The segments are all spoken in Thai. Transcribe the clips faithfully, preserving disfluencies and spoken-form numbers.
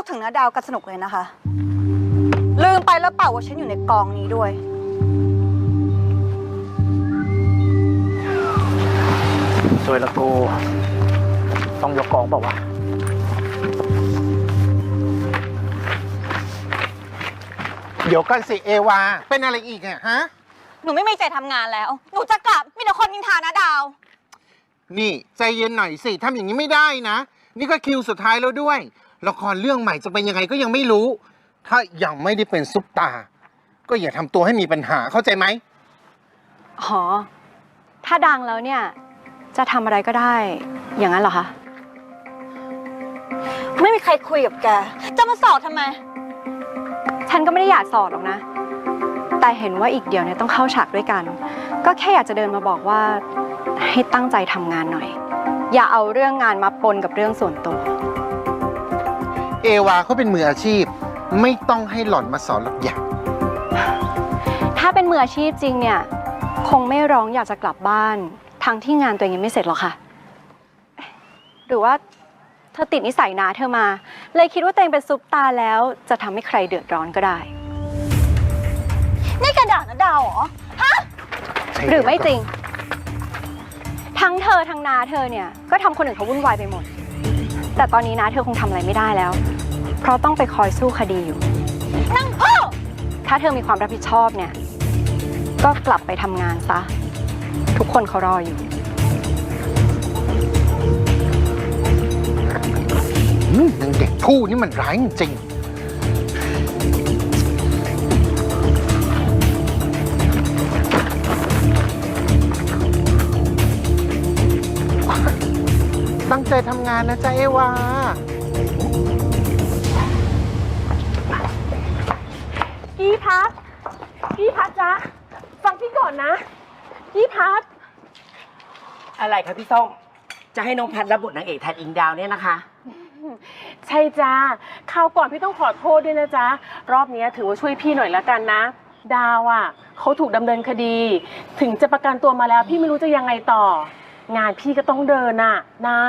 ถึงน้าดาวกันสนุกเลยนะคะ ลืมไปแล้วเปล่าว่าฉันอยู่ในกองนี้ด้วยสวยละกูต้องยกกองเปล่าวะเดี๋ยวกันสิเอวาเป็นอะไรอีกอะฮะหนูไม่มีใจทำงานแล้วหนูจะกลับมีแต่คนนินทาน้าดาวนี่ใจเย็นหน่อยสิทำอย่างนี้ไม่ได้นะนี่ก็คิวสุดท้ายแล้วด้วยละครเรื่องใหม่จะเป็นยังไงก็ยังไม่รู้ถ้ายังไม่ได้เป็นซุปตาก็อย่าทำตัวให้มีปัญหาเข้าใจไหมอ๋อถ้าดังแล้วเนี่ยจะทำอะไรก็ได้อย่างนั้นเหรอคะไม่มีใครคุยกับแกจะมาสอบทำไมฉันก็ไม่ได้อยากสอดหรอกนะแต่เห็นว่าอีกเดี๋ยวเนี่ยต้องเข้าฉากด้วยกันก็แค่อยากจะเดินมาบอกว่าให้ตั้งใจทำงานหน่อยอย่าเอาเรื่องงานมาปนกับเรื่องส่วนตัวเอวาเขาเป็นมืออาชีพไม่ต้องให้หล่อนมาสอนหรอกอย่างถ้าเป็นมืออาชีพจริงเนี่ยคงไม่ร้องอยากจะกลับบ้านทั้งที่งานตัวเองยังไม่เสร็จหรอกค่ะหรือว่าเธอติดนิสัยนาเธอมาเลยคิดว่าตัวเองเป็นซุปตาแล้วจะทำให้ใครเดือดร้อนก็ได้นี่กระดาษน้าดาวเหรอฮะหรือไม่จริงทั้งเธอทั้งนาเธอเนี่ยก็ทำคนอื่นเขาวุ่นวายไปหมดแต่ตอนนี้นาเธอคงทำอะไรไม่ได้แล้วเพราะต้องไปคอยสู้คดีอยู่นั่งพ่อถ้าเธอมีความรับผิดชอบเนี่ยก็กลับไปทำงานซะทุกคนเขารออยู่นางเด็กผู้นี่มันร้ายจริงตั้งใจทำงานนะจ๊ะเอวาพี่พัดพี่พัดจ๊ะฟังพี่ก่อนนะพี่พัดอะไรคะพี่ส้มจะให้น้องพัดรับบทนางเอกแทนอิงดาวเนี่ยนะคะใช่จ้าคราวก่อนพี่ต้องขอโทษด้วยนะจ๊ะรอบนี้ถือว่าช่วยพี่หน่อยละกันนะดาวอ่ะเขาถูกดำเนินคดีถึงจะประกันตัวมาแล้วพี่ไม่รู้จะยังไงต่องานพี่ก็ต้องเดินน่ะนะ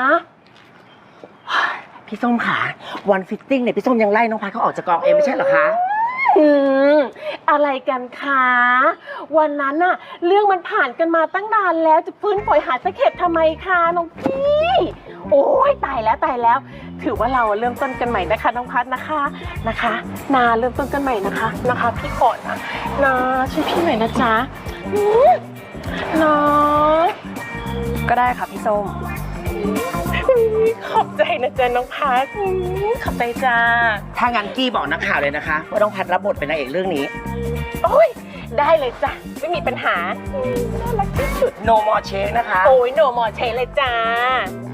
พี่ส้มขาวันฟิตติ้งเนี่ยพี่ส้มยังไล่น้องพัดเขาออกจากกองเองไม่ใช่เหรอคะอืมอะไรกันคะวันนั้นน่ะเรื่องมันผ่านกันมาตั้งนานแล้วจะฟื้นฝอยหาตะเข็บทำไมคะน้องพี่โอ้ยตายแล้วตายแล้วถือว่าเราเริ่มต้นกันใหม่นะคะน้องพัดนะคะนะคะนาเริ่มต้นกันใหม่นะคะนะคะพี่ขอนะนาช่วยพี่หน่อยนะจ๊ะนาก็ได้ค่ะพี่ส้มขอบใจนะจ๊ะน้องพัดขอบใจจ้าถ้างั้นกี้บอกนักข่าวเลยนะคะว่าน้องพัดรับบทเป็นนางเอกเรื่องนี้โอ้ยได้เลยจ้ะไม่มีปัญหาน่ารักที่สุด no more change นะคะโอ้ย no more change เลยจ้า